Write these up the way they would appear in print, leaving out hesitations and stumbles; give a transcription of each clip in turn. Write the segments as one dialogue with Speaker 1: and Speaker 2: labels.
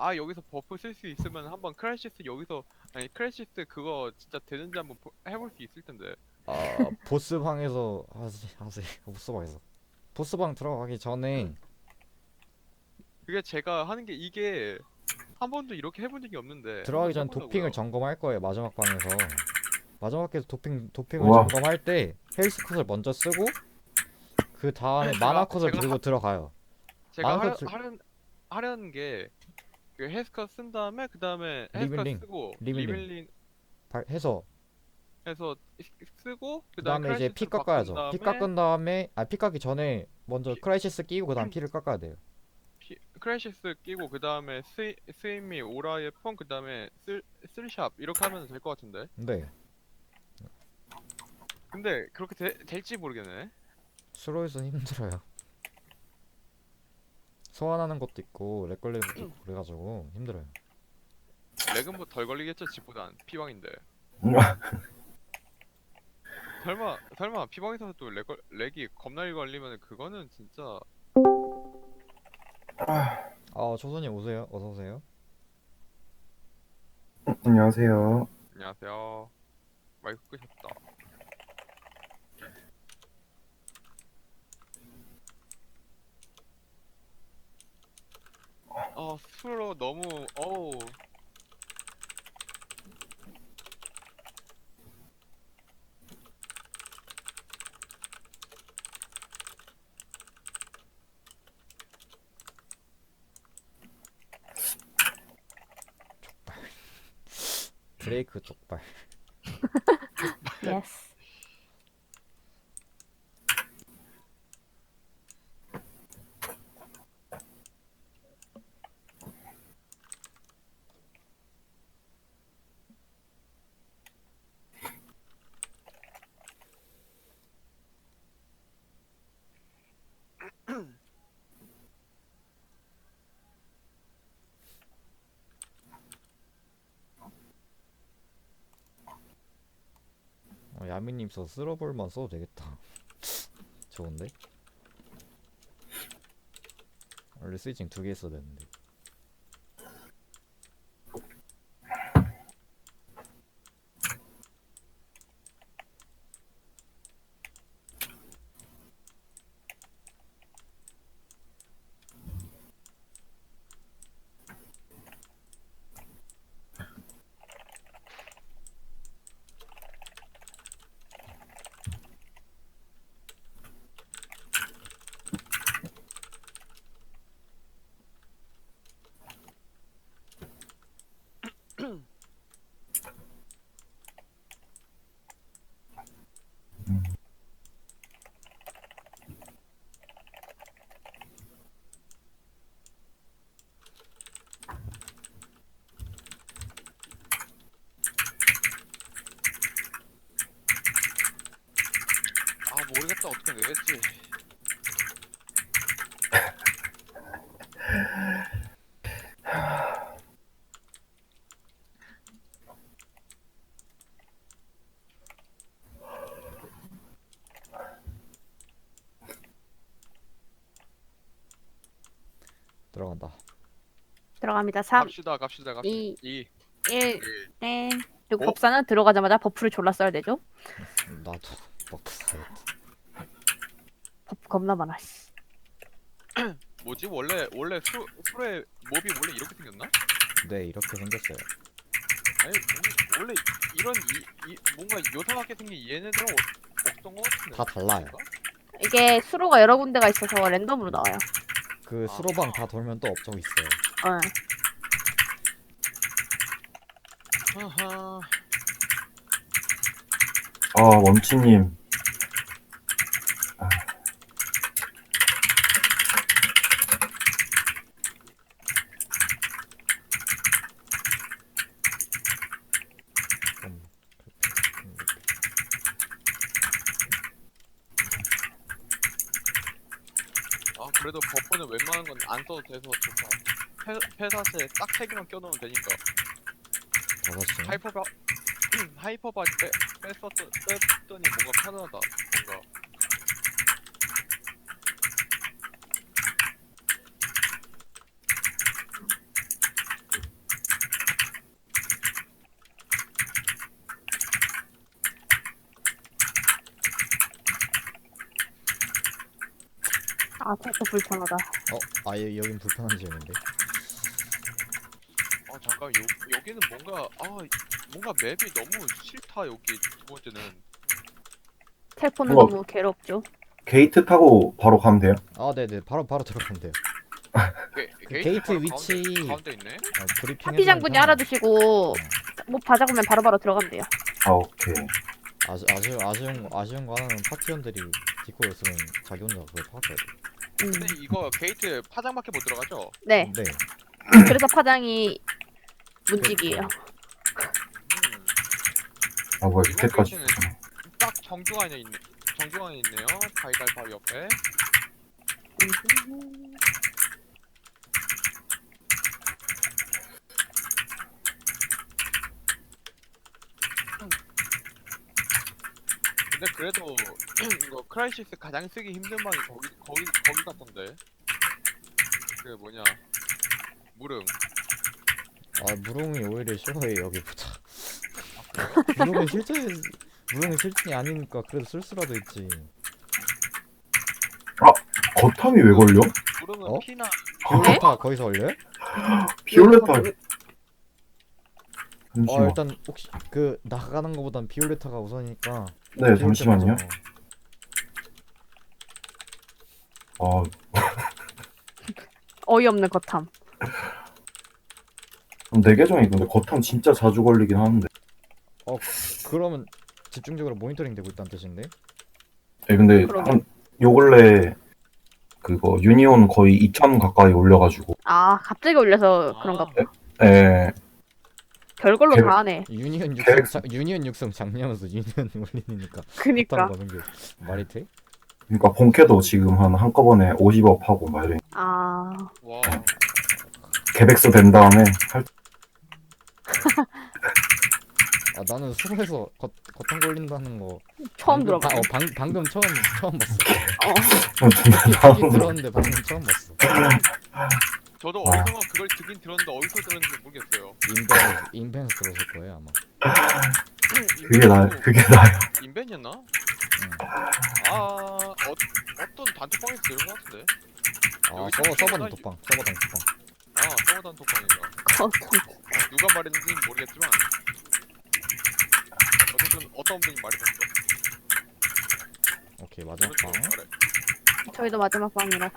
Speaker 1: 여기서 버프 쓸 수 있으면 한번 크래시스 여기서 아니 크래시스 그거 진짜 되는지 한번 해볼 수 있을 텐데.
Speaker 2: 보스방에서 하세요. 보스방에서. 보스방 들어가기 전에
Speaker 1: 그게 제가 하는 게 이게 한 번도 이렇게 해본 적이 없는데
Speaker 2: 들어가기
Speaker 1: 한번
Speaker 2: 전 도핑을
Speaker 1: 해보려고요.
Speaker 2: 점검할 거예요. 마지막 방에서. 마지막 에서 도핑을
Speaker 3: 우와.
Speaker 2: 점검할 때 헬스 컷을 먼저 쓰고 그 다음에 마나
Speaker 1: 제가
Speaker 2: 컷을
Speaker 1: 제가 하,
Speaker 2: 들고 들어가요.
Speaker 1: 제가
Speaker 2: 마나 컷
Speaker 1: 하려는 게 그 헬스컷 쓴 다음에 그 다음에 헬스컷
Speaker 2: 리빌링
Speaker 1: 쓰고
Speaker 2: 리빌링
Speaker 1: 리빌링
Speaker 2: 해서
Speaker 1: 해서 쓰고 그
Speaker 2: 그
Speaker 1: 다음에
Speaker 2: 다음에 이제 피
Speaker 1: 크래시스로 바꾼
Speaker 2: 깎아야죠. 피
Speaker 1: 다음에
Speaker 2: 깎은 다음에 피 깎기 전에 먼저
Speaker 1: 피,
Speaker 2: 크라이시스 끼고 그 다음 피를 깎아야 돼요.
Speaker 1: 크래시스 끼고 그 다음에 스위미 오라의 폰 그 다음에 쓸샵 이렇게 하면 될 것 같은데.
Speaker 2: 네.
Speaker 1: 근데 그렇게 될지 모르겠네.
Speaker 2: 스로에서 힘들어요. 소환하는 것도 있고 렉 걸리는 것도 있고 그래가지고 힘들어요.
Speaker 1: 렉은 뭐 덜 걸리겠죠 집보단 피방인데. 설마 피방에서도 렉이 겁나게 걸리면 그거는 진짜.
Speaker 2: 초선님 오세요. 어서 오세요.
Speaker 3: 안녕하세요.
Speaker 1: 안녕하세요. 마이크 끄셨다. 수로 너무 어우.
Speaker 2: 드레이크 족발.
Speaker 4: 예스.
Speaker 2: 야미님 저 쓸어볼만 써도 되겠다. 좋은데? 원래 스위칭 2개 했어야 되는데.
Speaker 1: 모르겠다 어떻게 내겠지.
Speaker 2: 들어간다.
Speaker 4: 들어갑니다. 3,
Speaker 1: 갑시다
Speaker 4: 2,
Speaker 1: 2
Speaker 4: 1,
Speaker 1: 1
Speaker 4: 땡. 그리고
Speaker 1: 오?
Speaker 4: 법사는 들어가자마자 버프를 졸라 써야 되죠?
Speaker 2: 나도 버프 사야겠다.
Speaker 4: 버프 겁나 많아, 씨.
Speaker 1: 뭐지? 원래 수의 몹이 원래 이렇게 생겼나?
Speaker 2: 네, 이렇게 생겼어요.
Speaker 1: 아니 원래 이런 뭔가 요상하게 생긴 얘네들은 없던 것 같은데.
Speaker 2: 다 달라요.
Speaker 1: 아닌가?
Speaker 4: 이게 수로가 여러 군데가 있어서 랜덤으로 나와요.
Speaker 2: 그 수로방 다 돌면 또 업종 있어요.
Speaker 4: 어.
Speaker 1: 하하.
Speaker 3: 멈치님.
Speaker 2: 좀
Speaker 1: 그래도 버프는 웬만한 건 안 써도 돼서 좋다. 폐사슬에 딱 3개만 껴놓으면 되니까.
Speaker 2: 5시.
Speaker 1: 하이퍼바 뺐더니 뭔가 편하다. 뭔가.
Speaker 4: 아, 진짜 불편하다.
Speaker 2: 아예 여긴 불편한 지역인데.
Speaker 1: 아 잠깐 여기는 뭔가 맵이 너무 싫다. 여기 두 번째는
Speaker 4: 텔포는
Speaker 3: 우와.
Speaker 4: 너무 괴롭죠.
Speaker 3: 게이트 타고 바로 가면 돼요?
Speaker 2: 아 네네 바로 들어가면 돼요. 게이트
Speaker 1: 바로
Speaker 2: 위치
Speaker 1: 가운데 있네.
Speaker 2: 브리핑
Speaker 4: 파티 장군이 알아두시고 뭐 받아보면 바로바로 들어가면 돼요.
Speaker 3: 아, 오케이.
Speaker 2: 아쉬운 거 하나는 파티원들이 디코 였으면 자기 혼자 그걸 파악해야 돼.
Speaker 1: 근데 이거 게이트 파장밖에 못 들어가죠?
Speaker 4: 네.
Speaker 2: 네.
Speaker 4: 그래서 파장이 문직이에요.
Speaker 1: 음,
Speaker 3: 아, 뭐야,
Speaker 1: 이번
Speaker 3: 밑에까지
Speaker 1: 게이트는
Speaker 3: 있었네.
Speaker 1: 딱 정중앙에 있네요. 달달 바위 옆에. 근데 그래도 이거 크라이시스 가장 쓰기 힘든 방이 거기 같던데. 그 뭐냐 무릉.
Speaker 2: 아 무릉이 오히려 싫어해 여기보다.
Speaker 1: 그래요?
Speaker 2: 무릉은 실전이 아니니까 그래도 쓸 수라도 있지.
Speaker 3: 거탐이 왜 걸려?
Speaker 1: 무릉은
Speaker 2: 어?
Speaker 1: 피나
Speaker 2: 비올레타 거기서 올려요?
Speaker 3: 비올레타.
Speaker 2: 어
Speaker 3: 잠시만.
Speaker 2: 일단 혹시 그 나가는 거보단 비올레타가 우선이니까.
Speaker 3: 네,
Speaker 2: 비올레타
Speaker 3: 잠시만요.
Speaker 2: 먼저.
Speaker 3: 아,
Speaker 4: 어이없는 거탐.
Speaker 3: 내 계정이 근데 거탐 진짜 자주 걸리긴 하는데.
Speaker 2: 그러면 집중적으로 모니터링 되고 있다는 뜻인데?
Speaker 3: 예, 근데
Speaker 4: 그러게.
Speaker 3: 요 근래 그거 유니온 거의 2천 가까이 올려가지고.
Speaker 4: 아, 갑자기 올려서 그런가 보다.
Speaker 3: 예,
Speaker 4: 별걸로
Speaker 3: 계획-
Speaker 4: 다 하네.
Speaker 2: 유니언 육성 작년에서 유니언 올리니까
Speaker 4: 그니까.
Speaker 2: 거는 게 말이 돼?
Speaker 3: 그러니까 본캐도 지금 한꺼번에 50억 하고 막 이래.
Speaker 4: 아,
Speaker 1: 와
Speaker 3: 계백수 된 다음에
Speaker 2: 아 나는 수로에서 겉탕 걸린다는 거
Speaker 4: 처음
Speaker 2: 방금,
Speaker 4: 들어봐.
Speaker 2: 방금 처음 봤어.
Speaker 3: 존나
Speaker 2: 듣긴 들었는데 방금 처음 봤어.
Speaker 1: 저도
Speaker 3: 아.
Speaker 1: 어디서 그걸 듣긴 들었는데 어디서 들었는지 모르겠어요.
Speaker 2: 인벤에서 들었을 거예요 아마.
Speaker 3: 그게 나요.
Speaker 1: 인벤이었나?
Speaker 2: 응.
Speaker 1: 어떤 단톡방에서 들은 것 같은데.
Speaker 2: 아
Speaker 1: 여기
Speaker 2: 서버
Speaker 1: 서버
Speaker 2: 단톡방.
Speaker 1: 서버 단톡방인가. 누가 말했는지는 모르겠지만 어쨌든 어떤 분이 말해줬어.
Speaker 2: 오케이 마지막 방.
Speaker 1: 오른쪽 아래.
Speaker 4: 저희도 마지막 방이라서.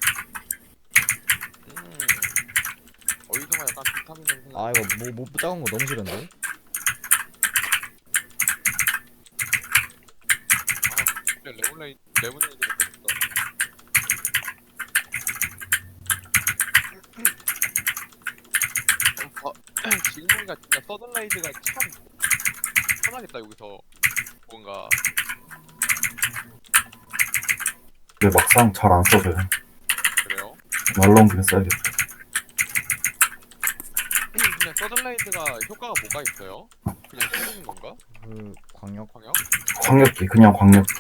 Speaker 1: 어디선가 약간 비타민 냄새.
Speaker 2: 아 이거 뭐 작은 거 너무 싫은데?
Speaker 1: 레몬레이드 먹고 싶다. 지금 보니까 진짜 서든라이드가 참 편하겠다 여기서 뭔가.
Speaker 3: 근데 막상 잘 안 써져요.
Speaker 1: 그래요?
Speaker 3: 날라온 김에 써야겠다.
Speaker 1: 근데 서든라이드가 효과가 뭐가 있어요? 그냥 쓰는 건가?
Speaker 2: 그 광역.
Speaker 1: 광역?
Speaker 3: 광역기, 그냥 광역기.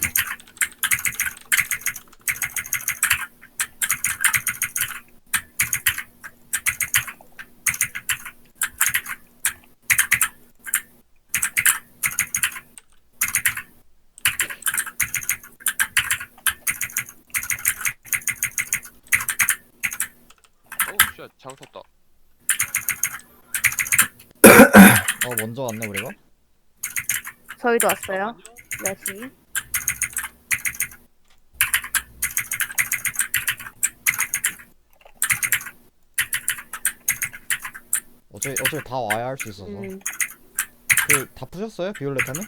Speaker 1: 어우 쉣 잘못 샀다.
Speaker 2: 먼저 왔네 우리가?
Speaker 4: 저희도 왔어요. 4시.
Speaker 2: 어차피 다 와야 할 수 있어서. 그 다 푸셨어요? 비올레타는?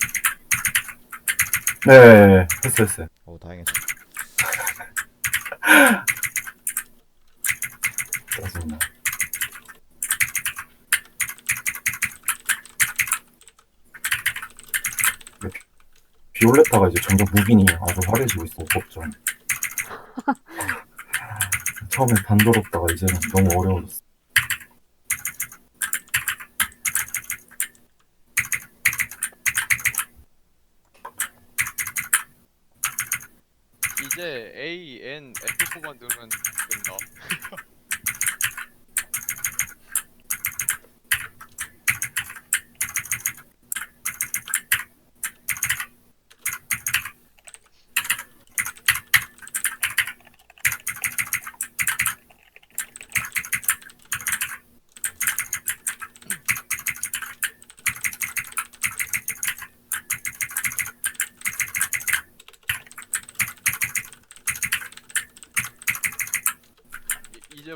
Speaker 3: 네, 했어요.
Speaker 2: 다행이다.
Speaker 3: 짜증나. 비올레타가 이제 점점 무빙이 아주 화려해지고 있어, 법전. 처음에 단조롭다가 이제는 너무 어려워졌어.
Speaker 1: 이제 A, N, F4만 누르면 된다.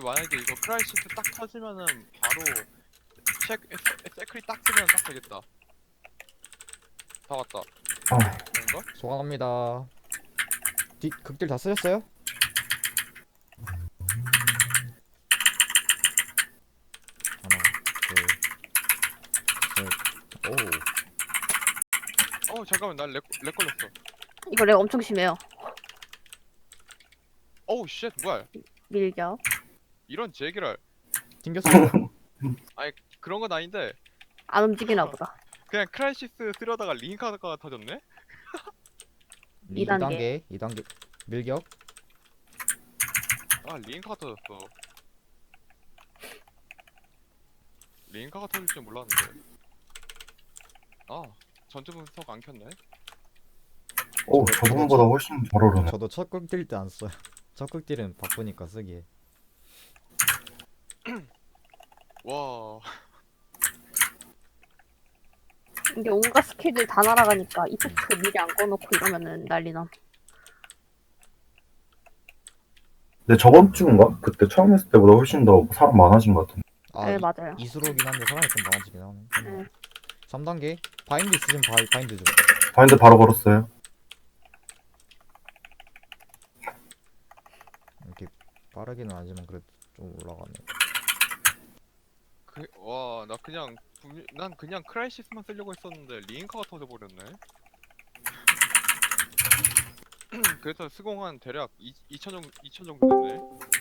Speaker 1: 만약에 이거 크라이시스 딱 터지면은 바로 세크리 딱 쓰면 딱 되겠다. 다 왔다.
Speaker 3: 아,
Speaker 1: 뭔가?
Speaker 2: 소환합니다. 극딜 다 쓰셨어요? 하나, 둘, 셋. 오.
Speaker 1: 잠깐만 나 렉 걸렸어.
Speaker 4: 이거 렉 엄청 심해요.
Speaker 1: 어우 쉣 뭐야?
Speaker 4: 밀격.
Speaker 1: 이런 제기를.
Speaker 2: 튕겼어요.
Speaker 1: 그런 건 아닌데
Speaker 4: 안 움직이나 보다.
Speaker 1: 그냥 크라이시스 쓰려다가 링카가 터졌네?
Speaker 4: 2단계.
Speaker 2: 2단계 밀격.
Speaker 1: 아 링카가 터졌어. 링카가 터질 줄 몰랐는데. 아 전투 분석 안 켰네.
Speaker 3: 오, 저번보다 훨씬 잘 오르네.
Speaker 2: 저도 첫 극딜 때 안 써요. 첫 극딜은 바쁘니까 쓰기에.
Speaker 1: 와
Speaker 4: 이게 온갖 스킬들 다 날아가니까 이펙트 미리 안 꺼놓고 이러면은 난리나.
Speaker 3: 근데 저번 주인가? 그때 처음 했을 때보다 훨씬 더 사람 많아진 것 같은데.
Speaker 2: 아,
Speaker 4: 네, 맞아요.
Speaker 2: 이수로긴 한데 사람이 좀 많아지긴 하네.
Speaker 4: 네.
Speaker 2: 3단계 바인드 있으면 바인드 좀.
Speaker 3: 바인드 바로 걸었어요.
Speaker 2: 이렇게 빠르기는 아니지만 그래도 좀 올라가네.
Speaker 1: 와 나 그냥 난 그냥 크라이시스만 쓰려고 했었는데 링카가 터져버렸네. 그래서 수공한 대략 2천 정도 됐네.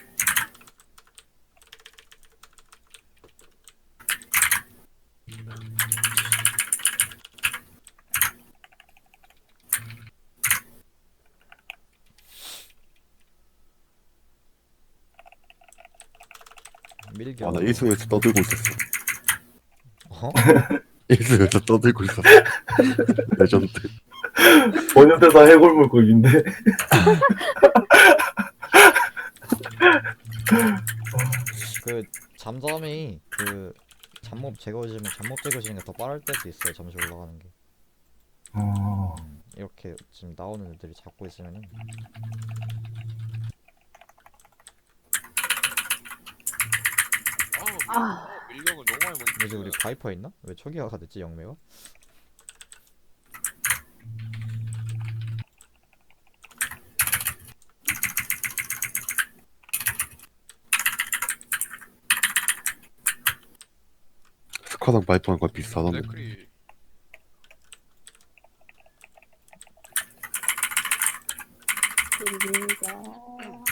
Speaker 2: 밀격.
Speaker 5: 아, 나 1승에서 떠들고 있었어.
Speaker 2: 어?
Speaker 5: 1승에서 떠들고 있었어. 레전드.
Speaker 3: 번역대사 해골물고기인데.
Speaker 2: 그 잠잠이 그 잡몹 제거해주면 잡몹 제거시는 게 더 빠를 때도 있어요. 잠시 올라가는 게.
Speaker 3: 아,
Speaker 2: 이렇게 지금 나오는 애들이 잡고 있으면은
Speaker 1: 밀격을 너무 많이
Speaker 2: 뭐지
Speaker 1: 보니까
Speaker 2: 우리 바이퍼 있나? 왜 초기화가 됐지 영매가?
Speaker 5: 스쿼랑 바이퍼랑 거의 비슷하던데.
Speaker 1: 네크리
Speaker 4: 밀격.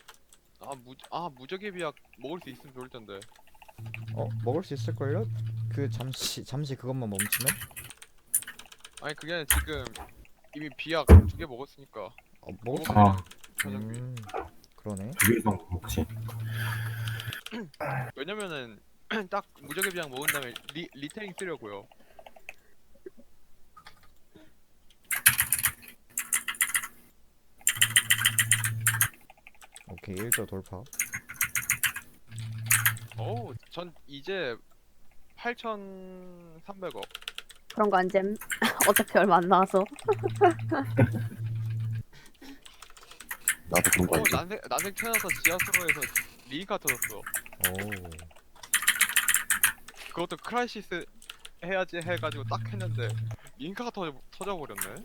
Speaker 1: 무적의 비약 먹을 수 있으면 좋을 텐데.
Speaker 2: 먹을 수 있을걸요? 그 잠시 그것만 멈추면?
Speaker 1: 아니 그게 아니라 지금 이미 비약 2개 먹었으니까.
Speaker 2: 먹을 수
Speaker 3: 아.
Speaker 1: 저녁비.
Speaker 2: 그러네.
Speaker 3: 2개 이상 못 먹지.
Speaker 1: 왜냐면은 딱 무적의 비약 먹은 다음에 리테링 쓰려고요.
Speaker 2: 오케이 1조 돌파.
Speaker 1: 어우 전 이제 8,300억.
Speaker 4: 그런 거 안 잼. 어차피 얼마 안 나와서.
Speaker 5: 나도 그런 거 알지.
Speaker 1: 난생 태어나서 지하수로에서 링카 터졌어.
Speaker 2: 오.
Speaker 1: 그것도 크라이시스 해야지 해가지고 딱 했는데 링카가 터져버렸네.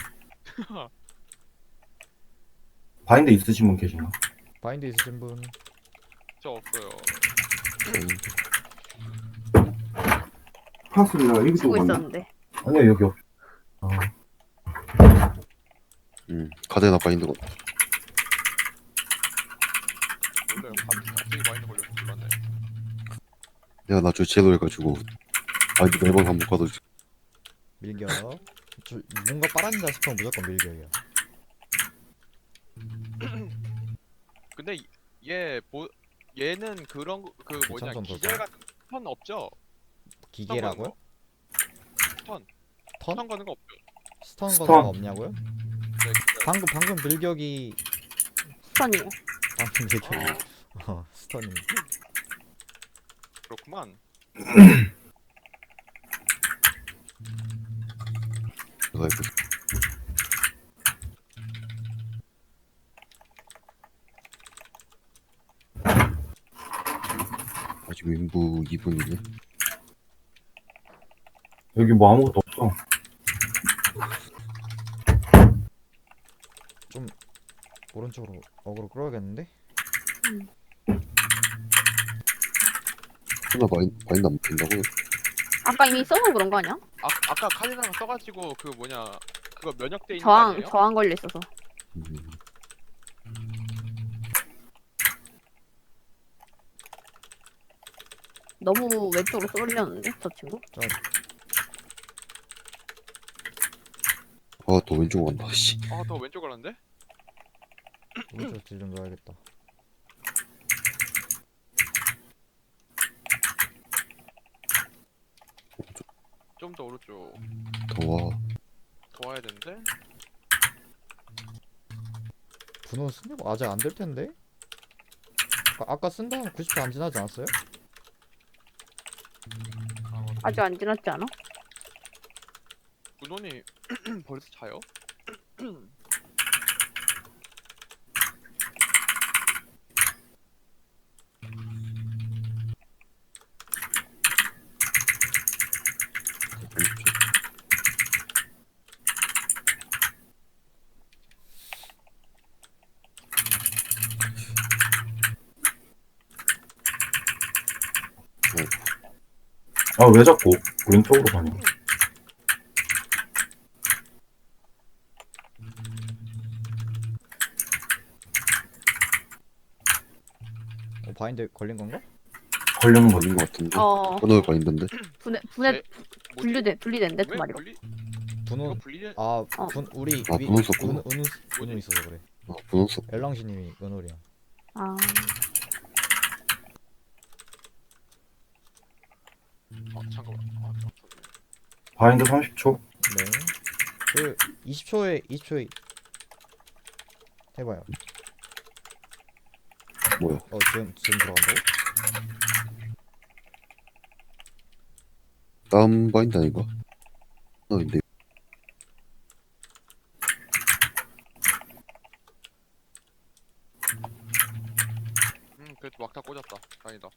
Speaker 3: 바인드 있으신 분 계시나?
Speaker 2: 바인드 있으신 분.
Speaker 1: 저 없어요.
Speaker 3: 파스야, 여기
Speaker 4: 쓰고 있었는데.
Speaker 3: 아니요, 여기 없. 아,
Speaker 5: 가데나 바인드가
Speaker 1: 원래 갑자기 마이너 걸려서 몰랐네.
Speaker 5: 내가 나중에 제로 해가지고 바인드 매번 한번 가도
Speaker 2: 밀격. 뭔가 빨아진다 싶으면 무조건 밀격이야.
Speaker 1: 근데 얘는 그런 그 뭐냐
Speaker 2: 참전
Speaker 1: 기절
Speaker 2: 돌파.
Speaker 1: 같은 턴 없죠?
Speaker 2: 기계라고요?
Speaker 1: 턴
Speaker 2: 턴?
Speaker 1: 가는 거 없죠?
Speaker 2: 스턴
Speaker 3: 스턴.
Speaker 2: 거는 없냐고요?
Speaker 1: 네,
Speaker 2: 방금 밀격이
Speaker 4: 스턴이에요.
Speaker 2: 방금 밀격이 스턴이.
Speaker 1: 그렇구만.
Speaker 5: 내가 이거 윈부 2분이네.
Speaker 3: 여기 뭐 아무것도 없어.
Speaker 2: 오른쪽으로 어그로 끌어야겠는데?
Speaker 5: 하나 마인드 안 먹힌다고?
Speaker 4: 아까 이미 써서 그런 거 아니야?
Speaker 1: 아까 카디나가 써가지고 그 뭐냐 그거 면역돼 있는 거 아니에요?
Speaker 4: 저항 걸려 있어서.
Speaker 5: 음,
Speaker 4: 너무 왼쪽으로 쏠렸는데 저 친구?
Speaker 5: 아, 또 왼쪽 간다, 씨.
Speaker 1: 아더 왼쪽 가는데?
Speaker 2: 오른쪽 딜좀 넣어야겠다.
Speaker 1: 좀 더 오른쪽
Speaker 5: 더워.
Speaker 1: 더 와야 되는데?
Speaker 2: 분호 쓴다고 아직 안 될 텐데? 아까 쓴 다음 90초 안 지나지 않았어요?
Speaker 4: 아직 안 지났지 않아?
Speaker 1: 문원이 벌써 차요?
Speaker 3: 아, 왜 자꾸 왼쪽으로 가냐?
Speaker 2: 바인드 걸린 건가?
Speaker 3: 걸리는 거지.
Speaker 5: 걸린 것 같은데.
Speaker 4: 어
Speaker 5: 끊어올 바인드인데.
Speaker 4: 분해
Speaker 1: 네?
Speaker 4: 분리된대 두
Speaker 1: 왜
Speaker 4: 마리로.
Speaker 1: 분리?
Speaker 2: 분호
Speaker 1: 이거 분리?
Speaker 2: 우리
Speaker 5: 아, 분호 썼구나.
Speaker 2: 은우 있어서 그래.
Speaker 5: 아, 분홍색.
Speaker 2: 엘랑시님이 은홀이야.
Speaker 4: 아
Speaker 1: 잠깐만.
Speaker 3: 바인드 30초.
Speaker 2: 네. 그 20초에 해봐요.
Speaker 5: 뭐야?
Speaker 2: 지금 들어간다고?
Speaker 5: 다음 바인드 아닌가? 근데
Speaker 1: 그래도 막다 꽂았다. 다행이다.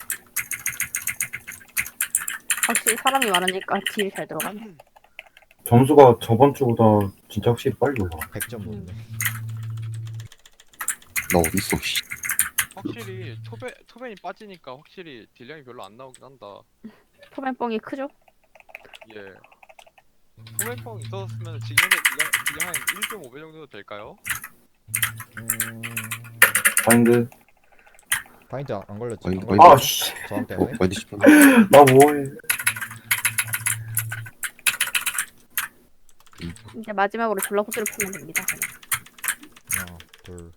Speaker 4: 확실히 사람이 많으니까 딜 잘 들어가네.
Speaker 3: 점수가 저번 주보다 진짜 확실히 빨리 올라가.
Speaker 2: 100점 넘네.
Speaker 5: 나 어딨어, 씨.
Speaker 1: 확실히 토벤이 빠지니까 확실히 딜량이 별로 안 나오긴 한다.
Speaker 4: 포맨뻥이 크죠?
Speaker 1: 예. 토벤뻥 있었으면 지금 현재 딜량 한 1.5배 정도 될까요?
Speaker 3: 바인드.
Speaker 2: 바인드 안 걸렸지?
Speaker 5: 바인드,
Speaker 2: 안
Speaker 5: 바인드.
Speaker 2: 걸렸지?
Speaker 3: 아, 씨.
Speaker 2: 저항
Speaker 5: 어,
Speaker 2: 때문에?
Speaker 5: 바인드 10분.
Speaker 3: 나 뭐해.
Speaker 4: 이제 마지막으로 졸라 호스를 풀면 됩니다. 그냥.
Speaker 2: 하나, 둘.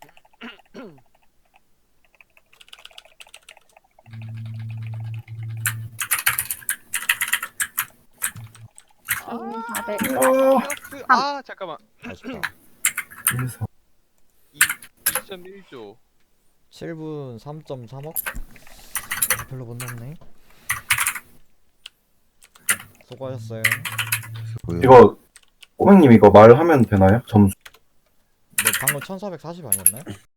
Speaker 1: 아,
Speaker 4: 400.
Speaker 1: 잠깐만.
Speaker 2: 아쉽다.
Speaker 3: 1,
Speaker 1: 2.1조.
Speaker 2: 7분 3.3억? 별로 못 넘네. 수고하셨어요.
Speaker 5: 뭐야?
Speaker 3: 이거 꼬맹님 이거 말하면 되나요? 점수.
Speaker 2: 네, 방금 1440 아니었나요?